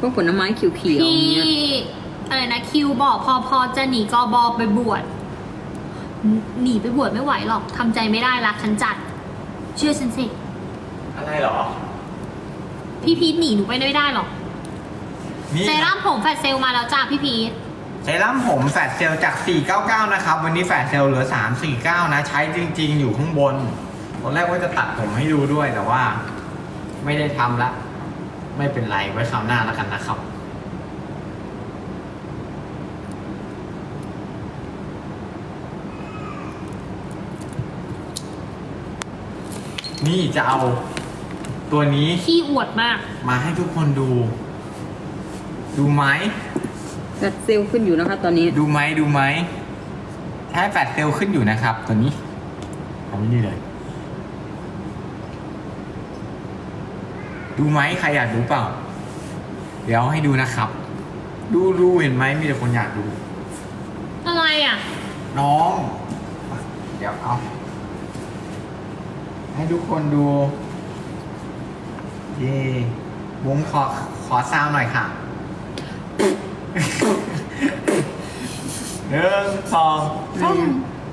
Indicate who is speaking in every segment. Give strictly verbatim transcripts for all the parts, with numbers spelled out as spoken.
Speaker 1: พวกผลไม้เขียวๆ
Speaker 2: พี่
Speaker 1: เนี่ย
Speaker 2: อะไรนะคิวบอกพอพอจะหนีกอบอไปบวชหนีไปบวชไม่ไหวหรอกทำใจไม่ได้รักฉันจัด เชื่อฉันสิ
Speaker 3: อะไรเหรอ
Speaker 2: พี่พีทหนีหนูไปไม่ได้หรอก
Speaker 3: นี่
Speaker 2: เซรั่มผมแฟตเซลมาแล้วจ้าพี่พีท
Speaker 3: เซรั่มผมแฟตเซลจากสี่เก้าเก้านะครับวันนี้แฟตเซลเหลือสามสี่เก้านะใช้จริงๆอยู่ข้างบนตอนแรกว่าจะตัดผมให้ดูด้วยแต่ว่า ไม่ได้ทำละไม่เป็นไรไว้คราวหน้าแล้วกันนะครับนี่จะเอาตัวนี้
Speaker 2: ขี้อวดมาก
Speaker 3: มาให้ทุกคนดู ดูไหม
Speaker 1: แฟตเซลล์ขึ้นอยู่นะคะตอนนี้
Speaker 3: ดูไหมดูไหมแค่แฟตเซลล์ขึ้นอยู่นะครับ ตัวนี้ทำนี่เลย ดูไหมใครอยากดูเปล่า เดี๋ยวให้ดูนะครับ ดูดูเห็นไหมมีแต่คนอยากดู
Speaker 2: อะไรอ่ะ
Speaker 3: น้อง เดี๋ยวเอา ให้ทุกคนดู เย่บุ้มขอขอซาวหน่อยค่ะ หนึ่งสองสาม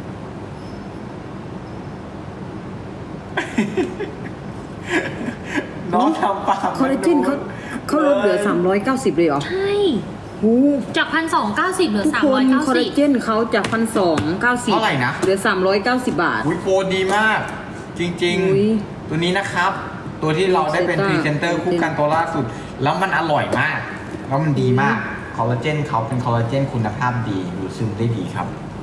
Speaker 3: น้องทำปาก
Speaker 1: คอลลาเจนเขาเขาลดเหลือสามร้อยเก้าสิบเลยเหรอ
Speaker 2: ใช่
Speaker 1: โอ้
Speaker 2: จากพันสองเก้าสิบเหลือ
Speaker 1: ทุก
Speaker 2: สาม
Speaker 1: ค
Speaker 2: ร้อน ยเก้า
Speaker 1: คอล
Speaker 2: สิ
Speaker 1: ลา
Speaker 2: บ
Speaker 1: เจนเขาจากพันสองเก้าสิบ
Speaker 3: เท่าไหร่นะ
Speaker 1: เหลือสามร้อยเก้าสิบบาท
Speaker 3: อุ้ยโปรดีมาก จริง
Speaker 1: อุ๊ย
Speaker 3: ๆ ตัวนี้นะครับ ตัวที่เราได้เป็นพรีเซนเตอร์คู่กันตัวล่าสุด แล้วมันอร่อยมาก แล้วมันดีมาก คอลลาเจนเขาเป็นคอลลาเจนคุณภาพดีดูดซึมได้ดีครับ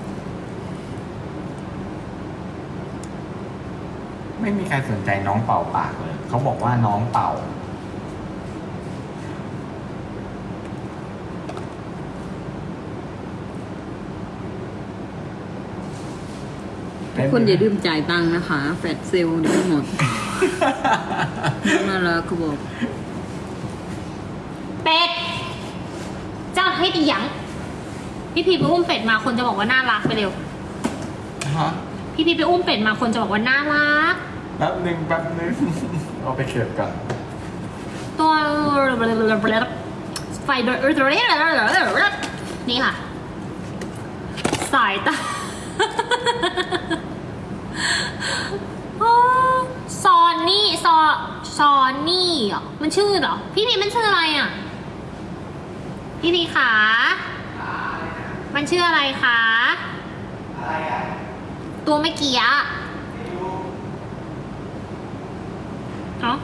Speaker 3: ไม่มีใครสนใจน้องเป่าปากเลย เขาบอกว่าน้องเป่า
Speaker 1: ทุกคนอย่าลืมจ่ายตังค์นะคะ แฟตเซลล์เดี๋ยวหมดน่ารักเขาบอก
Speaker 2: เป็ด เจ้าให้ดีหยังพี่พีทไปอุ้มเป็ดมาคนจะบอกว่าน่ารักไปเร็ว
Speaker 3: ฮะ
Speaker 2: พี่พีทไปอุ้มเป็ดมาคนจะบอกว่าน่ารัก
Speaker 3: แป๊บหนึ่งแป๊บหนึ่ง เอาไปเก็บกัน
Speaker 2: ตัวไฟเบอร์นี่ค่ะ สายตา ซอนนี่ซอซอนนี่เหรอมันชื่อเหรอ พี่พีมันชื่ออะไรอ่ะ พี่พีขามันชื่ออะไรคะตัวไม่เกี่ยเนาะ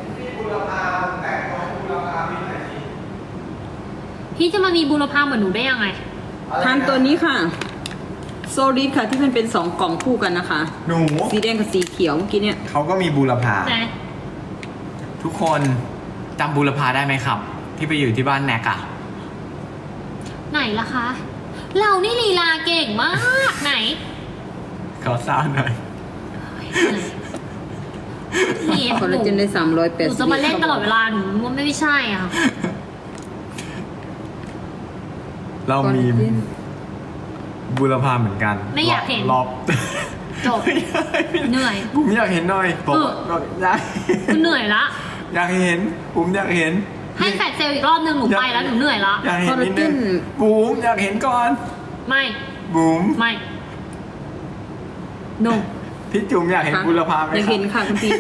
Speaker 2: พี่จะมามีบุรพาเหมือนหนูได้ยังไง
Speaker 1: ทานตัวนี้ค่ะโซลิดค่ะที่มันเป็นสองกล่องคู่กันนะคะ
Speaker 3: หนู
Speaker 1: สีแดงกับสีเขียวเมื่อกี้เนี่ย
Speaker 3: เขาก็มีบูรพา
Speaker 2: ไหน
Speaker 3: ทุกคนจำบูรพาได้ไหมครับ ที่ไปอยู่ที่บ้านแนกอะ
Speaker 2: ไหนล่ะคะ เรานี่ลีลาเก่งมากไหน
Speaker 3: ขอซาวหน่อย
Speaker 2: นี่
Speaker 1: คอลลาเจนได้สามร้อยแป
Speaker 2: ห
Speaker 1: ด
Speaker 2: นู
Speaker 1: สิบ
Speaker 2: จะมาเล่นตลอดเวลาหนูว่าไม่ใช่อ่ะ
Speaker 3: เรามีบูรพาเหมือนกัน
Speaker 2: ไม่อยากเห็น
Speaker 3: รอบ
Speaker 2: จบ เหนื่อย
Speaker 3: ผมอยากเห็นหน่อยผม
Speaker 2: เออ
Speaker 3: อยาก
Speaker 2: กูเหนื่อยละ
Speaker 3: อยากเห็นผมอยากเห็น
Speaker 2: ให้แฟดเซลล์อีกรอบนึงหนูไปแล้วหนูเหนื่อยละ
Speaker 3: อยากเห็นนิดนึงบูมอยากเห็นก่อน
Speaker 2: ไม่
Speaker 3: บูม
Speaker 2: ไม่ no
Speaker 3: พี่จุ๋มอยากเห็นบูรพาไหม
Speaker 1: อยาก
Speaker 3: ครั
Speaker 1: เห็นค่ะคุณพี่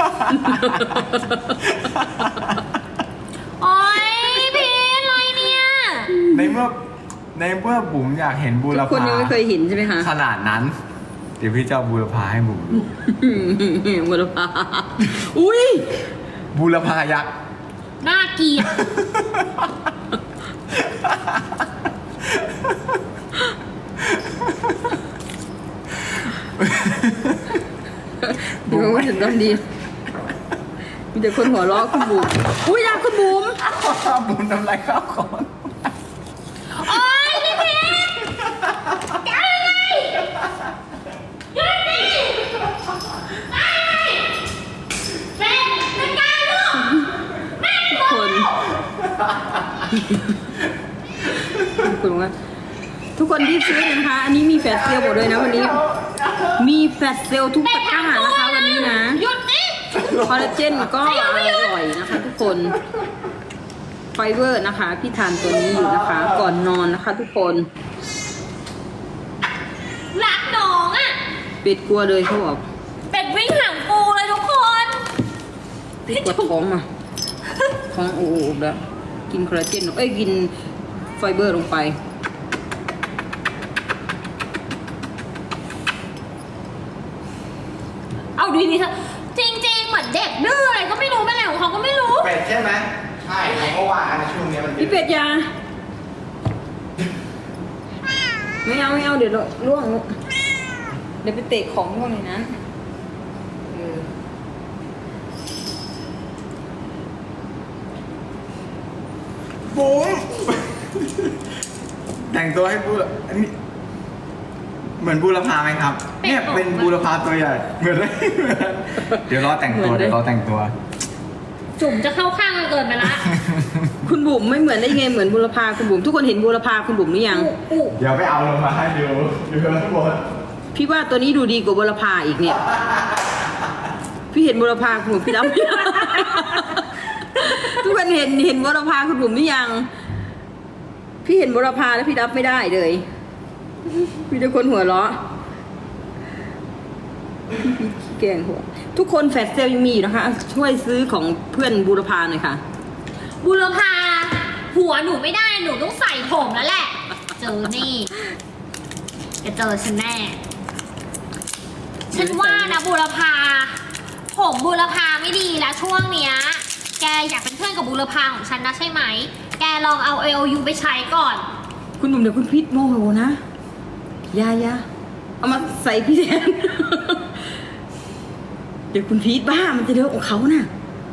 Speaker 2: โอ๊ยพีทอะไรเนี่ย
Speaker 3: ในเมื่อในเมื่อบุ๋มอยากเห็นบู
Speaker 1: ทุ
Speaker 3: ร
Speaker 1: กคน
Speaker 3: พา
Speaker 1: ยังไม่เคยเห็นใช่ไหมคะ
Speaker 3: ขนาดนั้น เดี๋ยวพี่จะเอาบูรพาให้บุ๋มดู
Speaker 1: บุรพาอุ้ย
Speaker 3: บูรพายักษ์
Speaker 2: น่าเกลียด
Speaker 1: ดูว่าถึงต้องดี มีแต่คนหัวเราะคุณบุ๋มอุ้ยอยากคุณบุ๋ม
Speaker 3: บุ๋มทำไรข้าวก่อน
Speaker 2: โอ๊ยพี่พีทจะเอาไงหยุดดิไปเป็นจัดการลูกแม่
Speaker 1: ทุกคนทุกคนว่าทุกคนรีบซื้อเลยนะคะ อันนี้มีแฟตเซลล์หมดเลยนะวันนี้ มีแฟตเซลล์ทุกตะกร้านะคะวันนี้นะ
Speaker 2: หยุดดิ
Speaker 1: คอลลาเจนก็อร่อยนะคะทุกคน คเบอร์นะคะ พี่ทานตัวนี้อยู่นะคะ ก่อนนอนนะคะ ทุกคน
Speaker 2: รักน้องอ่ะ
Speaker 1: เป็ดกลัวเลยเขาบอก
Speaker 2: เป็ดวิ่งหางปูเลยทุกคน
Speaker 1: เป็ดปวดท้องอ่ะท้องโอ้โหแล้วกินคอลลาเจนเอ้ยกินไฟเบอร์ลงไป
Speaker 2: เอาดีนี่เถอะจริงๆเหมือนเด็กดื้ออะไรก็ไม่รู้เป็นอะไรของเขาก็ไม่รู้
Speaker 3: เป็ดใช่ไหมใช่เขาก็ว่ากันช่วงนี้มัน
Speaker 1: พี่เป็ดยาไม่เอาไม่เอาเดี๋ยวล่วงเดี๋ยวไปเตะของพวกในนั้นเออ
Speaker 3: บุ้งแต่งตัวให้บูรอันนี้เหมือนบูรพาไหมครับ เนี่ยเป็นบูรพาตัวใหญ่เหมือนเลยเหมือนเดี๋ยวรอแต่งตัวเดี๋ยวรอแต่งตัว
Speaker 2: จุ่มจะเข้าข้างกันเกินไปละ
Speaker 1: คุณบุ๋มไม่เหมือนได้ไงเหมือนบุรพาคุณบุ๋มทุกคนเห็นบุรพาคุณบุ๋มหรือยัง
Speaker 2: อุ
Speaker 3: เดี๋ยวไปเอาลงมาให้ดูดูข้างบน
Speaker 1: พี่ว่าตัวนี้ดูดีกว่าบุรพาอีกเนี่ย พี่เห็นบุรพาคุณบุ๋มพี่รับไม่ได้ ทุกคนเห็นเห็นบุรพาคุณบุ๋มหรือยัง พี่เห็นบุรพาแล้วพี่รับไม่ได้เลยพี่จะคนหัวเราะพี่แกล้งหัวทุกคนแฟลชเซลยังมีอยู่นะคะ ช่วยซื้อของเพื่อนบุรพาหน่อยค่ะ
Speaker 2: บุรพาหัวหนูไม่ได้หนูต้องใส่ผมแล้วแหละ เจอนี่จะเจอฉันแน่ ฉันว่านะบุรพาผมบุรพาไม่ดีแล้วช่วงเนี้ย แกอยากเป็นเพื่อนกับบุรพาของฉันนะใช่ไหม แกลองเอา เอ โอ ยู ไปใช้ก่อน
Speaker 1: คุณหนุ่มเดี๋ยวคุณพิษโมโหนะอยาอยาเอามาใส่พี่แทน เดี๋ยวคุณพีทบ้ามันจะเดือดของเขาน่ะ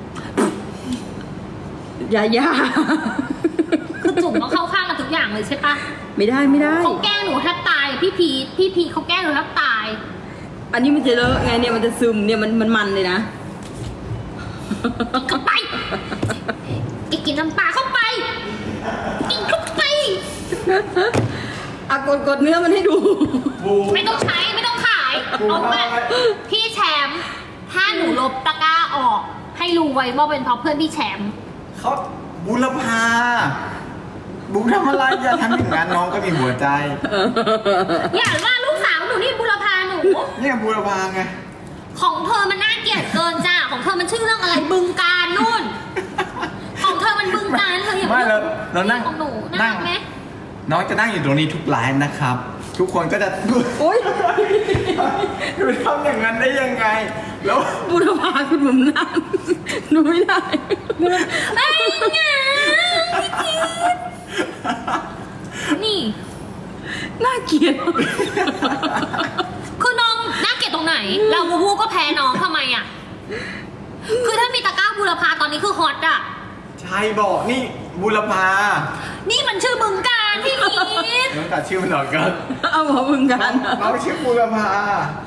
Speaker 1: อย่าอย่า
Speaker 2: คือจุ่มต้องเข้าข้างกันทุกอย่างเลยใช่ปะ
Speaker 1: ไม่ได้ไม่ได้
Speaker 2: เขาแกล้งหนูแทบตายอะพี่พีทพี่พีทเขาแกล้งหนูแทบตาย
Speaker 1: อันนี้มันจะเลอะไงเนี่ยมันจะซึมเนี่ยมันมันมันเลยนะ
Speaker 2: กินเข้าไปกินกินน้ำปลาเข้าไป กินเข้าไป
Speaker 1: อ่ะกดกดเนื้อมันให้ดู
Speaker 3: บู
Speaker 2: ไม่ต้องใช้ไม่ต้องขายเอาไปพี่แชมป์ถ้าหนูลบตะกร้าออก ให้รู้ไว้ว่าเป็นเพราะเพื่อนพี่แชมป์
Speaker 3: เขาบูรพาบูทำอะไรอย่าทำอย่างนั้นน้องก็มีหัวใจ
Speaker 2: อย่าว่าลูกสาวหนูนี่บุรพาหนู
Speaker 3: เนี่ยบูรพาไง
Speaker 2: ของเธอมันน่าเกลียดเกินจ้าของเธอมันชื่อเรื่องอะไรบึงการนู่น ของเธอมันบึงการเธออย่า
Speaker 3: ไม่เราเรานั่ง
Speaker 2: ของหนู
Speaker 3: นั่
Speaker 2: นั่
Speaker 3: ง
Speaker 2: งไหม
Speaker 3: น้องจะนั่งอยู่ตรงนี้ทุกไลฟ์นะครับ ทุกคนก็จะ
Speaker 1: โอ๊ย
Speaker 3: ดูทำอย่างนั้นได้ยังไง แล้ว
Speaker 1: บุรพาคุณบุ๋มนั่งหนูไม่ได้
Speaker 2: ไอ้เงานี่
Speaker 1: น่าเกลียด
Speaker 2: คือน้องน่าเกลียดตรงไหน เราบูบูก็แพ้น้องทำไมอ่ะ คือถ้ามีตะกร้าบุรพาตอนนี้คือฮอตอ่ะ
Speaker 3: ใช่บอกนี่บูรพา
Speaker 2: นี่มันชื่อบึงการพี่พีท
Speaker 3: น้องตัดชื่อมันออกก่อน
Speaker 1: เอาหัวมึงกัน
Speaker 3: น้องชื่อบูรพา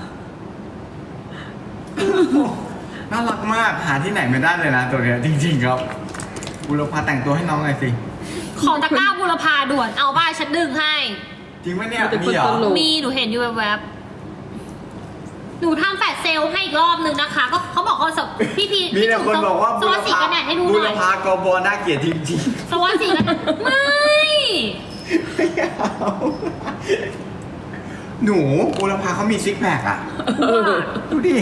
Speaker 3: น่ารักมากหาที่ไหนไม่ได้เลยนะตัวเนี้ยจริงๆครับบูรพาแต่งตัวให้น้องหน่อยสิ
Speaker 2: ขอตะกร้าบุรพาด่วน เอาบ้านฉันดึงให้
Speaker 3: จริงไหมเนี่ย
Speaker 1: มันจะ
Speaker 3: มีเหรอ
Speaker 1: คนตลก
Speaker 2: มีหนูเห็นอยู่แวบๆหนูทำแฟลชเซลล์ให้อีกรอบนึงนะคะ ก็เขาบอกว่าสพี่พี
Speaker 3: มีแต่คนบอกว่า
Speaker 2: สวัสดีกันแดดให้ดูห
Speaker 3: บู
Speaker 2: น่
Speaker 3: ร
Speaker 2: อย
Speaker 3: พากบน่าเกลียดจริงๆ
Speaker 2: สวัสดีกันแดดไม่
Speaker 3: ไม่เอาหนูบูรพาเขามีซิกแพคอะดูดิ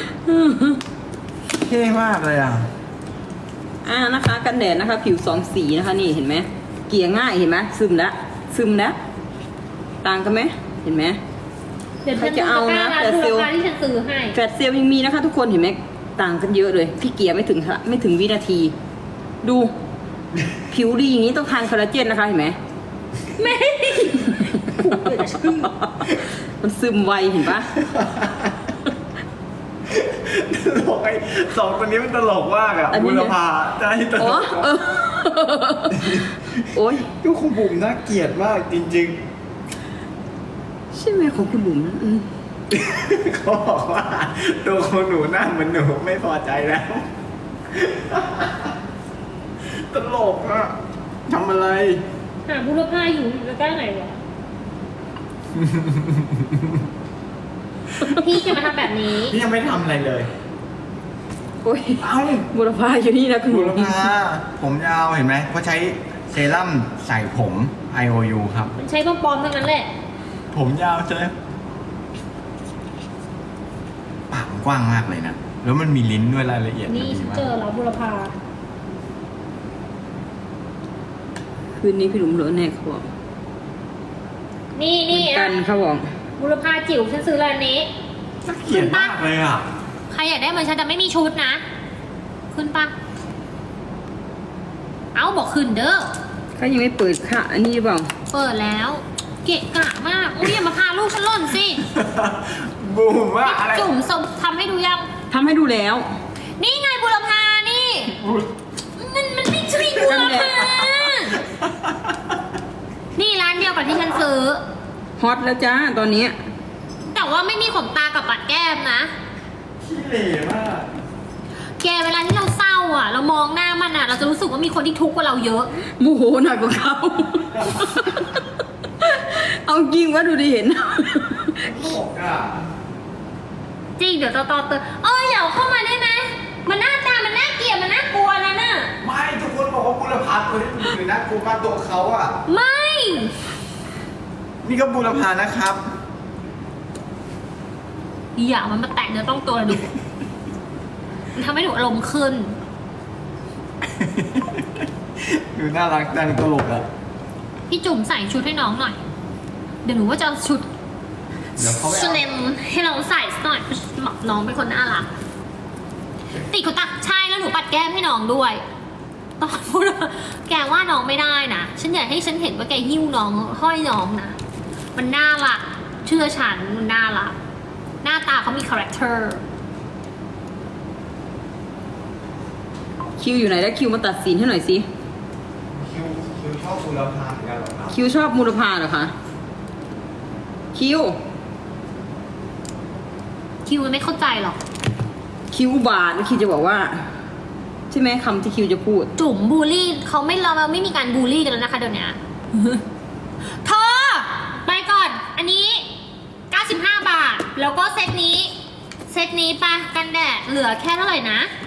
Speaker 3: เท่มากเลยอ่ะ
Speaker 1: อ่านะคะ กันแดดนะคะ ผิวสองสีนะคะ นี่เห็นไหมเกลี่ยง่ายเห็นไหมซึมแล้วซึมแล้วต่างกันไหมเห็นไหม
Speaker 2: เดี๋ยว
Speaker 1: ใครจะเอานะ
Speaker 2: แต่
Speaker 1: แต่
Speaker 2: เซ
Speaker 1: เซ
Speaker 2: ล
Speaker 1: ลล์
Speaker 2: ล์ที่ฉันซื้อให้
Speaker 1: แฟลชเซลล์ยังมีนะคะ ทุกคนเห็นไหมต่างกันเยอะเลย พี่เกียร์ไม่ถึงไม่ถึงวินาที ดู ผิวดีอย่างนี้ต้องทานคอลลาเจนนะคะเห็นไหม
Speaker 2: ไม่ผูกเลยชื่อ
Speaker 1: มันซึมไวเห็นปะ
Speaker 3: ตลกไอ้สองคนนี้มันตลกมากอะ
Speaker 1: อันนี้
Speaker 3: บู
Speaker 1: เนี่
Speaker 3: ร
Speaker 1: ย
Speaker 3: พาจะให้ตล
Speaker 1: อ๋อก เออโอ้ย
Speaker 3: ดูคุณบุ๋มน่าเกลียดมากจริง
Speaker 1: ใช่ไหมของคุณบุ๋มอืม
Speaker 3: ๆ เขาบอกว่าตัวของหนูหน้าเหมือนหนูไม่พอใจแล้ว ตลกอะทำอะไร
Speaker 2: หาบุรพาอยู่อยู่ใกล้ไหนวะ พี่จะมาทำแบบนี้
Speaker 3: นี่ยังไม่ทำอะไรเลย
Speaker 1: โโอ้ย
Speaker 3: เอ้า
Speaker 1: บุรพาอยู่นี่นะคุณ
Speaker 3: บุ
Speaker 1: บุ
Speaker 3: ร
Speaker 1: ร
Speaker 3: พาผมยาวเห็นไหมเพราะใช้เซรั่มใส่ผม ไอ โอ ยู ครับ
Speaker 2: มันใช้ปลอมๆทั้งนั้นแหละ
Speaker 3: ผมยาวใช่ไหมปากมันกว้างมากเลยนะ แล้วมันมีลิ้นด้วยรายละเอียด
Speaker 2: นี่
Speaker 3: มั
Speaker 2: ฉัน
Speaker 3: ดีมา
Speaker 2: เจอก แล้วบุรพา
Speaker 1: คืนนี้พี่หลุมเหลือแน่เขาบอก
Speaker 2: นี่นี่
Speaker 1: กั
Speaker 2: อ่ะ
Speaker 1: นเขาบอก
Speaker 2: บุรพาจิ๋วฉันซื้อร้านนี้
Speaker 3: น่าเกลียดมากเลยอ่ะ
Speaker 2: ใครอยากได้เหมือนฉันแต่ไม่มีชุดนะ ขึ้นปะเอ้าบอกขึ้นเด้อ
Speaker 1: เขายังไม่เปิดค่ะ อันนี้หรือเปล่า
Speaker 2: เปิดแล้ว เกะกะมากอุ้ยอย่ามาพาลูกฉันหล่นสิ
Speaker 3: บูมว่าอะไร
Speaker 2: จุ่มสมทำให้ดูยัง
Speaker 1: ทำให้ดูแล้ว
Speaker 2: นี่ไงบุรพานี่ มันมันไม่ใช่บุรพา นี่ร้านเดียวกับที่ฉันซื้อ
Speaker 1: ฮอตแล้วจ้าตอนนี้
Speaker 2: แต่ว่าไม่มีขนตากับปัดแก้มนะ
Speaker 3: ขี้เหร่มาก
Speaker 2: แกเวลาที่เราเศร้าอ่ะ เรามองหน้ามันอ่ะ เราจะรู้สึกว่ามีคนที่ทุกข์กว่าเราเยอะ
Speaker 1: โมโหหนักกว่าเขา เอาจริงว่าดูดิเห็น
Speaker 3: โลกอ่ะ
Speaker 2: จริงเดี๋ยวต่อต่อเตอเอออย่าเอาเข้ามาได้ไหมมันหน้าตามันน่าเกลียดมันน่ากลัวนะน่ะ
Speaker 3: ไม่ทุกคนบอกว่าบุรพาตัวนี้มันคือน่ากลัวมากตัวเขาอ่ะ
Speaker 2: ไม่
Speaker 3: นี่ก็บุรพานะครับ
Speaker 2: อย่ามันมาแตะเนื้อต้องตัวดูมันทำให้หนูอารมณ์ขึ้น
Speaker 3: ดูน่ารักจังตลกอ่ะ
Speaker 2: พี่จุ๋มใส่ชุดให้น้องหน่อย เดี๋ยวหนูว่าจะเอาชุด
Speaker 3: เดี๋ยวเขาไป
Speaker 2: ช
Speaker 3: เอา
Speaker 2: เลมให้น้องใส่สักหน่อยน้องเป็นคนน่ารักติดขนตาใช่แล้วหนูปัดแก้มให้น้องด้วยตอนพูดว่าแกว่าน้องไม่ได้นะฉันอยากให้ฉันเห็นว่าแกหิ้วน้องห้อยน้องนะมันน่ารักเชื่อฉันมันน่ารักหน้าตาเขามีคาแรคเตอร์
Speaker 1: คิวอยู่ไหนแล้วคิวมาตัดสินให้หน่อยสิ
Speaker 3: คิวคิวชอบบุรพาเหมือนกันเหรอครับ
Speaker 1: คิวชอบมูลพาเหรอคะ คิว
Speaker 2: คิวมันไม่เข้าใจหรอก
Speaker 1: คิวอุบาทคิวจะบอกว่า ใช่ไหมคำที่คิวจะพูด
Speaker 2: จุ๋มบูลลี่เขาไม่เราไม่มีการบูลลี่กันแล้วนะคะเดี๋ยวนี้ เธอไปก่อน อันนี้เก้าสิบห้าบาท แล้วก็เซตนี้ เซตนี้ปะกันแดดเหลือแค่เท่าไหร่นะ